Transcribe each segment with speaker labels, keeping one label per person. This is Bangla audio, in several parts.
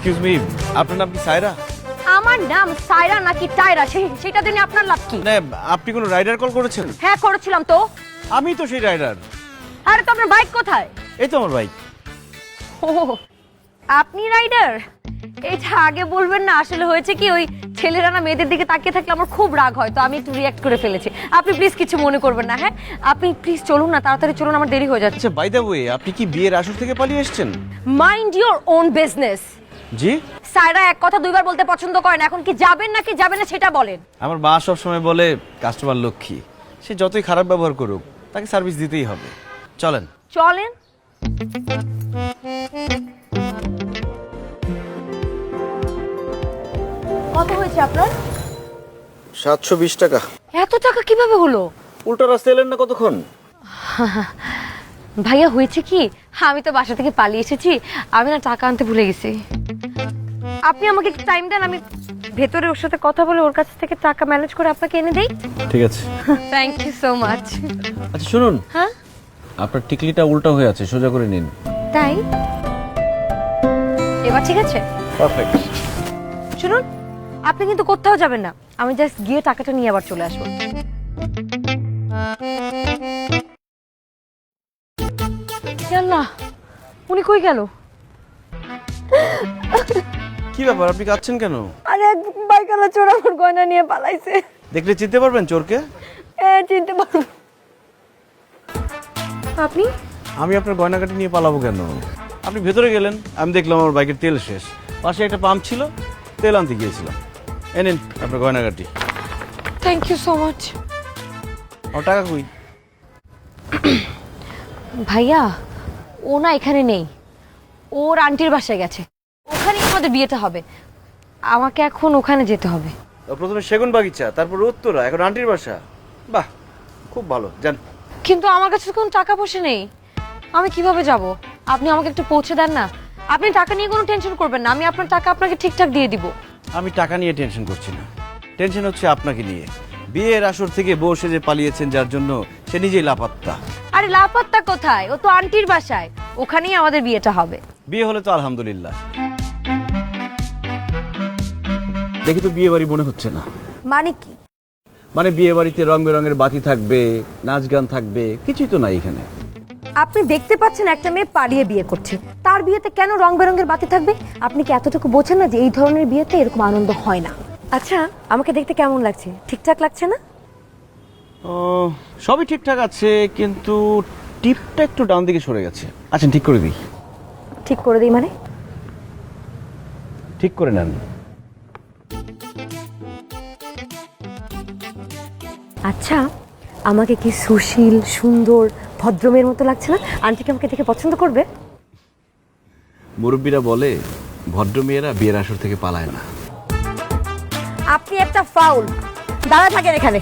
Speaker 1: এক্সকিউজ মি, আপনার নাম কি সায়রা?
Speaker 2: আমার নাম সায়রা নাকি টায়রা সেটা জেনে আপনার লাভ কি?
Speaker 1: না, আপনি কোনো রাইডার কল করেছেন?
Speaker 2: হ্যাঁ করেছিলাম তো।
Speaker 1: আমি তো সেই রাইডার।
Speaker 2: আরে তো আপনার বাইক কোথায়?
Speaker 1: এই তো আমার বাইক।
Speaker 2: ও আপনি রাইডার? এটা আগে বলবেন না। আসলে হয়েছে কি, ওই ছেলেরা না মেয়েদের দিকে তাকিয়ে থাকলে আমার খুব রাগ হয়, তো আমি একটু রিঅ্যাক্ট করে ফেলেছি। আপনি প্লিজ কিছু মনে করবেন না। হ্যাঁ আপনি প্লিজ চলুন না, তাড়াতাড়ি চলুন, আমার দেরি হয়ে যাচ্ছে।
Speaker 1: আচ্ছা বাই দ্য ওয়ে, আপনি কি বিয়ের আসর থেকে পালিয়ে এসেছেন?
Speaker 2: Mind your own business.
Speaker 1: জি?
Speaker 2: সায়রা এক কথা দুইবার বলতে পছন্দ করেন। এখন কি যাবেন নাকি যাবেন না সেটা বলেন।
Speaker 1: আমার মা সব সময় বলে কাস্টমার লক্ষ্মী, সে যতই খারাপ ব্যবহার করুক তাকে সার্ভিস দিতেই হবে। চলেন
Speaker 2: চলেন। কত হয়েছে আপনার?
Speaker 1: 720 টাকা।
Speaker 2: এত টাকা কিভাবে হলো?
Speaker 1: উল্টো রাস্তা এলেন না কতক্ষণ?
Speaker 2: ভাইয়া হয়েছে কি, আমি তো বাসা থেকে পালিয়ে এসেছি, আমি না টাকা আনতে ভুলে গেছি। আপনি আমাকে একটু টাইম দেন, আমি ভেতরে ওর সাথে কথা বলে ওর কাছ থেকে টাকা ম্যানেজ করে আপনাকে এনে দেই।
Speaker 1: ঠিক আছে।
Speaker 2: Thank you so much.
Speaker 1: আচ্ছা শুনুন,
Speaker 2: হ্যাঁ
Speaker 1: আপনার টিকলিটা উল্টো হয়ে আছে, সোজা করে নিন।
Speaker 2: তাই? এবার ঠিক আছে?
Speaker 1: পারফেক্ট।
Speaker 2: শুনুন, আপনি কিন্তু কোথাও যাবেন না, আমি জাস্ট গিয়ে টাকাটা নিয়ে আবার চলে আসবো। আল্লাহ, উনি কই গেল?
Speaker 1: কি ব্যাপার, আপনি কাঁদছেন কেন?
Speaker 2: আরে এক বাইকালা চোর আমার গয়না নিয়ে পালাইছে।
Speaker 1: দেখলে চিনতে পারবেন চোরকে?
Speaker 2: হ্যাঁ চিনতে পারবো। আপনি?
Speaker 1: আমি আপনার গয়নাকাটি নিয়ে পালাবো কেন? আপনি ভেতরে গেলেন, আমি দেখলাম আমার বাইকের তেল শেষ, পাশে একটা পাম্প ছিল, তেল আনতে গিয়েছিলাম। নিন আপনার গয়নাকাটি।
Speaker 2: Thank you so much.
Speaker 1: আমার টাকা কই?
Speaker 2: ভাইয়া ও না এখানে নেই, ওর আন্টির বাসায় গেছে, ওখানেই আমাদের বিয়েটা হবে। আমাকে এখন ওখানে যেতে হবে।
Speaker 1: প্রথমে সেগুন বাগিচা, তারপর উত্তরা, এখন আন্টির বাসা। বাহ, খুব ভালো। যান।
Speaker 2: কিন্তু আমার কাছে তো কোনো টাকা পয়সা নেই, আমি কিভাবে যাব? আপনি আমাকে একটু পৌঁছে দেন না। আপনি টাকা নিয়ে কোনো টেনশন করবেন না, আমি আপনার টাকা আপনাকে ঠিকঠাক দিয়ে দিব।
Speaker 1: আমি টাকা নিয়ে টেনশন করছি না, টেনশন হচ্ছে আপনাকে নিয়ে। বিয়ের আসর থেকে বউ সেজে পালিয়েছেন, যার জন্য সে নিজেই লাপাত্তা।
Speaker 2: আরে লাপাত্তা কোথায়, ও তো আন্টির বাসায়, ওখানেই আমাদের বিয়েটা হবে।
Speaker 1: বিয়ে হলে তো আলহামদুলিল্লাহ। দেখি তো বিয়ে বাড়ি মনে হচ্ছে না।
Speaker 2: মানে কি?
Speaker 1: মানে বিয়ে বাড়িতে রং বেরঙের বাতি থাকবে, নাচ গান থাকবে, কিছুই তো নাই এখানে।
Speaker 2: আপনি দেখতে পাচ্ছেন একটা মেয়ে পালিয়ে বিয়ে করছে, তার বিয়েতে কেন রং বেরঙের বাতি থাকবে? আপনি কি এতটুকু বোঝেন না যে এই ধরনের বিয়েতে এরকম আনন্দ হয় না? আচ্ছা আমাকে দেখতে কেমন লাগছে? ঠিকঠাক লাগছে না?
Speaker 1: ও, সবই ঠিকঠাক আছে, কিন্তু টিপটা একটু ডান দিকে সরে গেছে। আচ্ছা ঠিক করে দিই।
Speaker 2: ঠিক করে দিই মানে?
Speaker 1: ঠিক করে নেন।
Speaker 2: আচ্ছা আমাকে কি সুশীল, সুন্দর, ভদ্রমের মতো লাগছে না? আন্টি কি আমাকে দেখে পছন্দ করবে?
Speaker 1: মুরব্বীরা বলে ভদ্র মেয়েরা বিয়ের আসর থেকে পালায় না।
Speaker 2: আপনি একটা ফাউল। দাঁড়া থাকেন এখানে।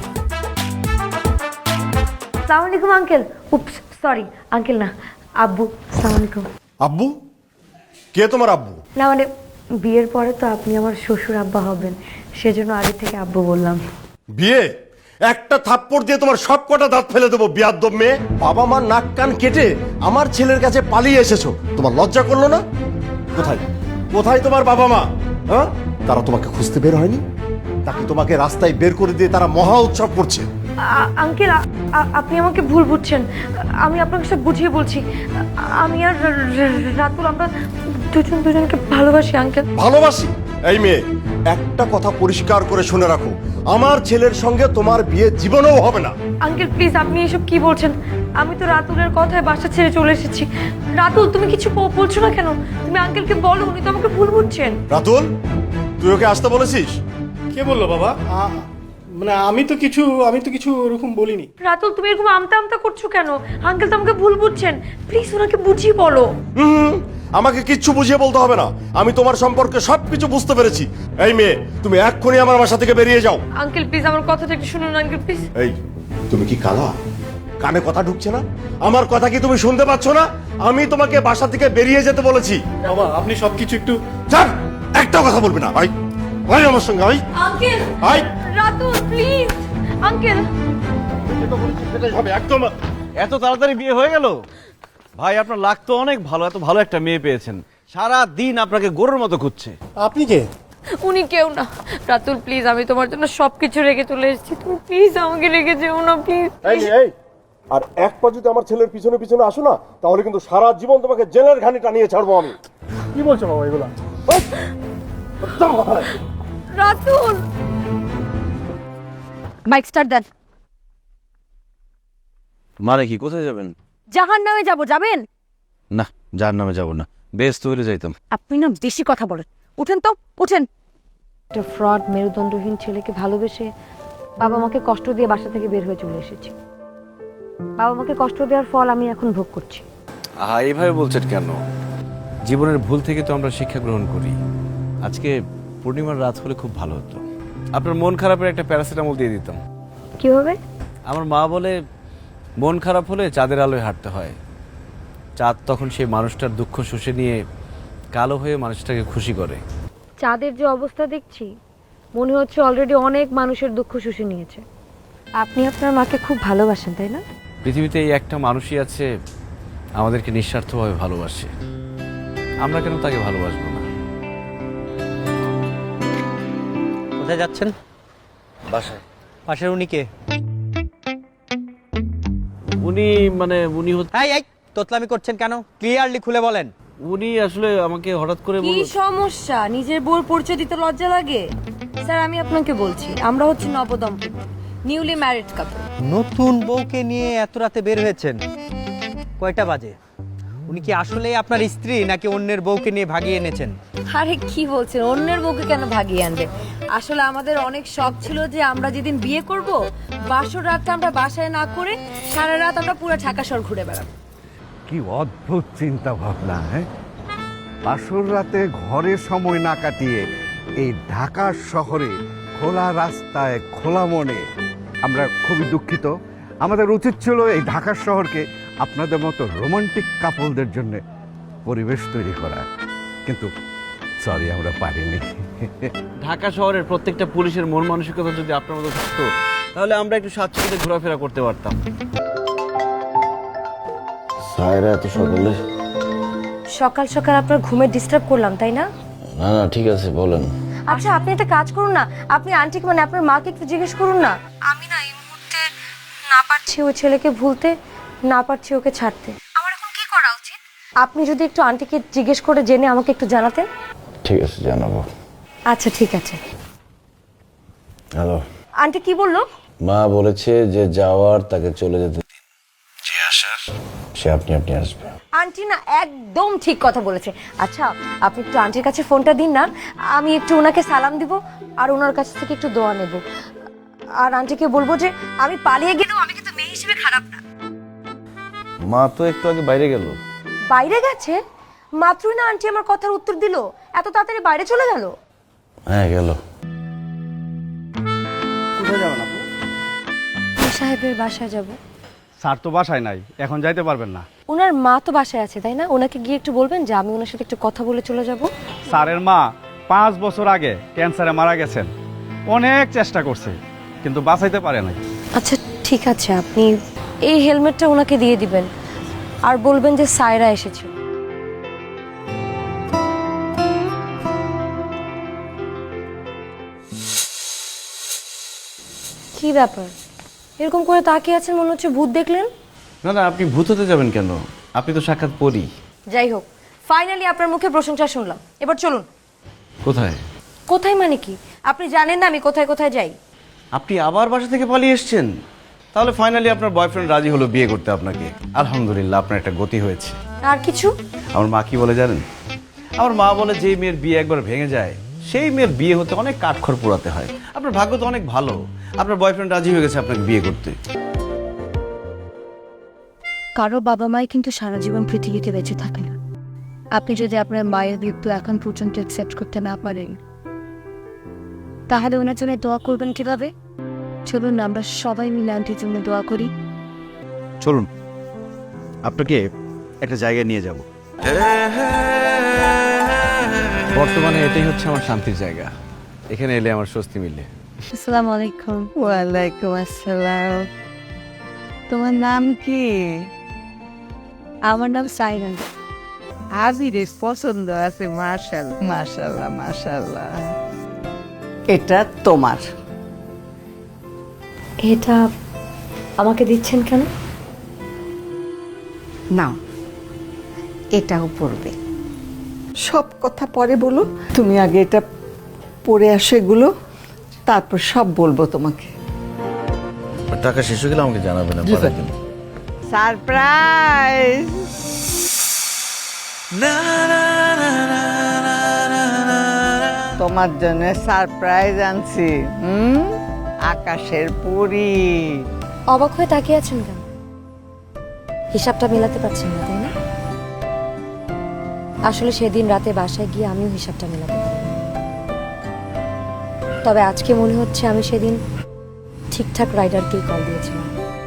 Speaker 2: আসসালামু আলাইকুম আঙ্কেল। উপস সরি আঙ্কেল না, আব্বু। আসসালামু আলাইকুম।
Speaker 3: আব্বু? কে তোমার আব্বু?
Speaker 2: না মানে বিয়ের পরে তো আপনি আমার শ্বশুর আব্বা হবেন, সেজন্য আগে থেকে আব্বু বললাম।
Speaker 3: বিয়ে? একটা থাপ্পড় দিয়ে তোমার সব কটা দাঁত ফেলে দেবো বিয়াদ্দব মেয়ে। বাবা মা নাক কান কেটে আমার ছেলের কাছে পালিয়ে এসেছো, তোমার লজ্জা করলো না? কোথায় কোথায় তোমার বাবা মা? হ্যাঁ, তারা তোমাকে খুঁজতে বের হয়নি? নাকি তোমাকে রাস্তায় বের করে দিয়ে তারা মহা উৎসব করছে?
Speaker 2: আঙ্কেল আপনি আমাকে ভুল বুঝছেন, আমি আপনাকে সব বুঝিয়ে বলছি। আমি আর রাতুল আমরা দুজনকে ভালোবাসি আঙ্কেল।
Speaker 3: ভালোবাসি? এই মেয়ে, একটা কথা পরিষ্কার করে শুনে রাখো, আমার ছেলের সঙ্গে তোমার বিয়ে জীবনেও হবে না।
Speaker 2: আঙ্কেল প্লিজ, আপনি এসব কি বলছেন? আমি তো রাতুলের কথায় বাসা ছেড়ে চলে এসেছি। রাতুল তুমি কিছু বলছো না কেন? তুমি আঙ্কেলকে বলো, উনি তো আমাকে ভুল বুঝছেন।
Speaker 3: রাতুল, তুই ওকে আসতে বলেছিস?
Speaker 4: কে বললো বাবা? মানে আমি তো কিছু ওরকম বলিনি।
Speaker 2: রাতুল তুমি এরকম আমতা আমতা করছো কেন? আঙ্কেল তো আমাকে ভুল বুঝছেন, প্লিজ ওনাকে বুঝিয়ে বলো।
Speaker 3: আমাকে কিচ্ছু বুঝিয়ে বলতে হবে না, আমি তোমার সম্পর্কে সবকিছু বুঝতে পেরেছি। এই মেয়ে, তুমি এক্ষুনি আমার বাসা থেকে বেরিয়ে যাও।
Speaker 2: আঙ্কেল প্লিজ আমার কথাটা একটু শুনুন আঙ্কেল প্লিজ।
Speaker 3: এই, তুমি কি কালা? কানে কথা ঢুকছে না? আমার কথা কি তুমি শুনতে পাচ্ছ না? আমি তোমাকে বাসা থেকে বেরিয়ে যেতে বলেছি।
Speaker 4: বাবা আপনি সবকিছু একটু
Speaker 3: চল, একটা কথা বলবি না ভাই। ভাই আমার সঙ্গে ভাই।
Speaker 2: আঙ্কেল
Speaker 3: ভাই
Speaker 2: রাতুল প্লিজ আঙ্কেল।
Speaker 3: একদম।
Speaker 1: এত তাড়াতাড়ি বিয়ে হয়ে গেল? ভাই আপনার লাগ তো অনেক ভালো, এত ভালো একটা মেয়ে পেয়েছেন। সারা দিন আপনাকে গরুর মতো খুঁজছে।
Speaker 4: আপনি কে?
Speaker 2: উনি কেউ না। রাতুল প্লিজ, আমি তোমার জন্য সবকিছু রেখে চলে এসেছি, তুমি প্লিজ আমাকে রেখে যেও না প্লিজ।
Speaker 3: এই আর এক পা যদি আমার ছেলের পিছনে পিছনে আসো না, তাহলে কিন্তু সারা জীবন তোমাকে জেলের ঘানি টানিয়ে ছাড়বো আমি।
Speaker 4: কি বলছো বাবা এগুলা?
Speaker 2: রাতুল, বাইক স্টার্ট দেন।
Speaker 1: মানে কি, কোথায় যাবেন?
Speaker 2: জাহান্নামে যাব, যাবেন?
Speaker 1: না, জাহান্নামে যাব না, বেশ তৈরি যাইতাম।
Speaker 2: আপনি না বেশি কথা বলেন, উঠেন তো উঠেন। একটা ফ্রড মেরুদণ্ডহীন ছেলেকে ভালোবেসে বাবা মাকে কষ্ট দিয়ে বাসা থেকে বের হয়ে চলে এসেছি। বাবা মাকে কষ্ট দেওয়ার ফল আমি এখন ভোগ করছি।
Speaker 1: এইভাবে বলছেন কেন? জীবনের ভুল থেকে তো আমরা শিক্ষা গ্রহণ করি। আজকে পূর্ণিমার রাত হলে খুব ভালো হতো, আপনার মন খারাপের একটা প্যারাসিটামল দিয়ে দিতাম।
Speaker 2: কিভাবে?
Speaker 1: আমার মা বলে মন খারাপ হলে চাঁদের আলোয় হাঁটতে হয়। চাঁদ তখন সেই মানুষটার দুঃখ শুষে নিয়ে কালো হয়ে মানুষটাকে খুশি করে।
Speaker 2: চাঁদের যে অবস্থা দেখছি, মনে হচ্ছে অলরেডি অনেক মানুষের দুঃখ শুষে নিয়েছে। আপনি আপনার মাকে খুব ভালোবাসেন, তাই না?
Speaker 1: পৃথিবীতে এই একটা মানুষই আছে আমাদেরকে নিঃস্বার্থভাবে ভালোবাসে, আমরা কেন তাকে ভালোবাসবো না?
Speaker 5: কোথায় যাচ্ছেন?
Speaker 1: বাসায়।
Speaker 5: পাশের উনি কে?
Speaker 1: উনি
Speaker 5: এই তোতলামি করছেন কেন? ক্লিয়ারলি খুলে বলেন।
Speaker 1: উনি আসলে আমাকে হঠাৎ করে
Speaker 2: কি সমস্যা? নিজের বউর পরিচয় দিতে লজ্জা লাগে? স্যার, আমি আপনাকে বলছি, আমরা হচ্ছে নবদম্পতি, নিউলি ম্যারিড কাপল।
Speaker 5: নতুন বউকে নিয়ে এত রাতে বের হয়েছেন, কয়টা বাজে? উনি কি আসলেই আপনার স্ত্রী নাকি অন্যের বউকে নিয়ে ভাগিয়ে এনেছেন?
Speaker 2: আরে কি বলছেন, অন্যের বউকে কেন ভাগিয়ে আনবে? আসলে আমাদের অনেক শখ ছিল যে আমরা যেদিন বিয়ে করব, বাসর রাতটা আমরা বাসায় না করে সারা রাত আমরা পুরো ঢাকা শহর ঘুরে বেড়াবো।
Speaker 6: কি অদ্ভুত চিন্তা ভাবনা! হ্যাঁ, বাসর রাতে ঘরে সময় না কাটিয়ে এই ঢাকা শহরে খোলা রাস্তায় খোলা মনে, আমরা খুবই দুঃখিত। আমাদের উচিত ছিল এই ঢাকা শহরকে আপনাদের মতো রোমান্টিক কাপলদের জন্য পরিবেশ তৈরি করা, কিন্তু সরি, আমরা পারিনি।
Speaker 1: ঢাকা শহরের প্রত্যেকটা পুলিশের মন মানসিকতা যদি আপনার মতো থাকতো, তাহলে আমরা একটু স্বাচ্ছন্দ্যে ঘোরাফেরা করতে পারতাম।
Speaker 7: সায়রা এত সকালে?
Speaker 2: সকাল সকাল আপনার ঘুমে ডিস্টার্ব করলাম, তাই না?
Speaker 7: না না, ঠিক আছে, বলেন।
Speaker 2: আচ্ছা, আপনি একটা কাজ করুন না, আপনি আন্টিকে মানে আপনার মাকে একটু জিজ্ঞেস করুন না। আমি না এই মুহূর্তে না পারছি ওই ছেলেকে ভুলতে, না পারছি ওকে ছাড়তে। আমার এখন কি করা উচিত? আপনি যদি একটু আন্টিকে জিজ্ঞেস করে জেনে আমাকে একটু জানাতেন।
Speaker 7: ঠিক আছে, জানাবো।
Speaker 2: আচ্ছা ঠিক আছে।
Speaker 7: হ্যালো।
Speaker 2: আন্টি কি বললো?
Speaker 7: মা বলেছে যে যাওয়ার তাকে চলে যেতে দিন, যে আসার সে আপনি আপনি আসবে।
Speaker 2: আন্টি না একদম ঠিক কথা বলেছে। আচ্ছা, আপনি একটু আন্টির কাছে ফোনটা দিন না, আমি একটু ওনাকে সালাম দিব আর ওনার কাছ থেকে একটু দোয়া নেব। আর আন্টিকে বলবো যে আমি পালিয়ে গেলেও আমি কিন্তু মেয়ে হিসেবে খারাপ না।
Speaker 1: মা তো একটু আগে বাইরে গেল।
Speaker 2: বাইরে গেছে? মাত্রই না আন্টি আমার কথার উত্তর দিল, এত তাড়াতাড়ি বাইরে চলে গেল?
Speaker 7: হ্যাঁ, গেল।
Speaker 4: কোথায় যাবেন আপু?
Speaker 2: সাহেবের বাসায় যাব।
Speaker 4: স্যার তো বাসায় নাই, এখন যাইতে পারবেন না।
Speaker 2: ওনার মা তো বাসায় আছে, তাই না? ওনাকে গিয়ে একটু বলবেন যে আমি ওনার সাথে একটু কথা বলে চলে যাব।
Speaker 4: স্যারের মা 5 বছর আগে ক্যান্সারে মারা গেছেন, অনেক চেষ্টা করছে কিন্তু বাঁচাইতে পারে নাই।
Speaker 2: আচ্ছা ঠিক আছে, আপনি এই হেলমেটটা ওনাকে দিয়ে দিবেন আর বলবেন যে সায়রা এসেছে। কি ব্যাপার, এরকম করে তাকিয়ে আছেন, মনে হচ্ছে ভূত দেখলেন?
Speaker 1: না না, আপনি ভূত হতে যাবেন কেন? আপনি তো সাক্ষাৎ পড়ি।
Speaker 2: যাই হোক, ফাইনালি আপনার মুখে প্রশংসা শুনলাম, এবার চলুন।
Speaker 1: কোথায়?
Speaker 2: কোথায় মানে কি? আপনি জানেন না আমি কোথায় কোথায় যাই?
Speaker 1: আপনি আবার বাসা থেকে পালিয়ে এসেছেন? তাহলে ফাইনালি আপনার বয়ফ্রেন্ড রাজি হলো বিয়ে করতে আপনাকে। আলহামদুলিল্লাহ, আপনার একটা গতি হয়েছে।
Speaker 2: আর কিছু?
Speaker 1: আমার মা কি বলে জানেন? আমার মা বলে যে মেয়ের বিয়ে একবার ভেঙে যায়, সেই মেয়ের বিয়ে হতে অনেক কাঠখড় পোড়াতে হয়। আপনার ভাগ্য তো অনেক ভালো, আপনার বয়ফ্রেন্ড রাজি হয়ে গেছে আপনাকে বিয়ে করতে।
Speaker 8: কারো বাবা মাই কিন্তু সারা জীবন পৃথিবীতে বেঁচে থাকে না। আপনি যদি আপনার মায়ের মৃত্যু এখন পর্যন্ত অ্যাকসেপ্ট করতে না পারেন, তাহলে ওনার জন্য দোয়া করবেন কিভাবে? চলুন না আমরা সবাই মিলে আন্টির জন্য দোয়া করি।
Speaker 1: চলুন, আপনাকে একটা জায়গায় নিয়ে যাব। বর্তমানে এটাই হচ্ছে আমার শান্তির জায়গা, এখানে এলে আমার স্বস্তি মিলে।
Speaker 8: আসসালামু আলাইকুম। ওয়ালাইকুম আসসালাম। তোমার নাম কি? আমার নাম সাইরান।
Speaker 9: আজিরের পছন্দ আছে মাশাআল্লাহ মাশাআল্লাহ মাশাআল্লাহ। এটা তোমার।
Speaker 2: এটা আমাকে দিচ্ছেন কেন?
Speaker 9: নাও, এটাও পড়বে। সব কথা পরে বলো, তুমি আগে এটা পড়ে আসো এগুলো, তারপর সব বলবো তোমাকে।
Speaker 1: টাকা শেষ হয়ে গেলে আমাকে জানাবেন পরের দিন।
Speaker 9: সারপ্রাইজ! তোমার জন্য সারপ্রাইজ আনছি। আকাশের পরী।
Speaker 2: অবাক হয়ে তাকিয়ে আছেন কেন? হিসাবটা মেলাতে পারছেন না, তাই না? আসলে সেদিন রাতে বাসায় গিয়ে আমিও হিসাবটা মেলাতে পারি। তবে আজকে মনে হচ্ছে আমি সেদিন ঠিকঠাক রাইডারকেই কল দিয়েছিলাম,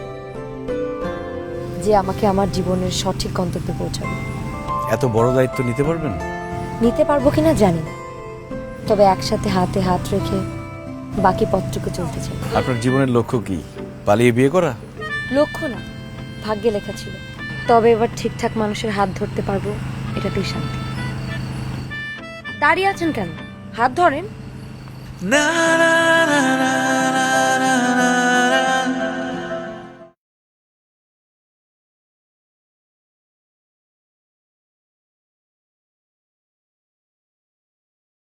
Speaker 2: যে আমাকে আমার জীবনের সঠিক গন্তব্যে পৌঁছাবে।
Speaker 1: এত বড় দায়িত্ব নিতে পারবেন?
Speaker 2: নিতে পারবো কিনা জানি না, তবে একসাথে হাতে হাত রেখে বাকি পথটুকু চলতে চাই।
Speaker 1: আপনার জীবনের লক্ষ্য কি? পালিয়ে বিয়ে করা?
Speaker 2: লক্ষ্য না, ভাগ্যে লেখা ছিল। তবে এবার ঠিকঠাক মানুষের হাত ধরতে পারবো, এটাতেই শান্তি। দাঁড়িয়ে আছেন কেন? হাত ধরেন।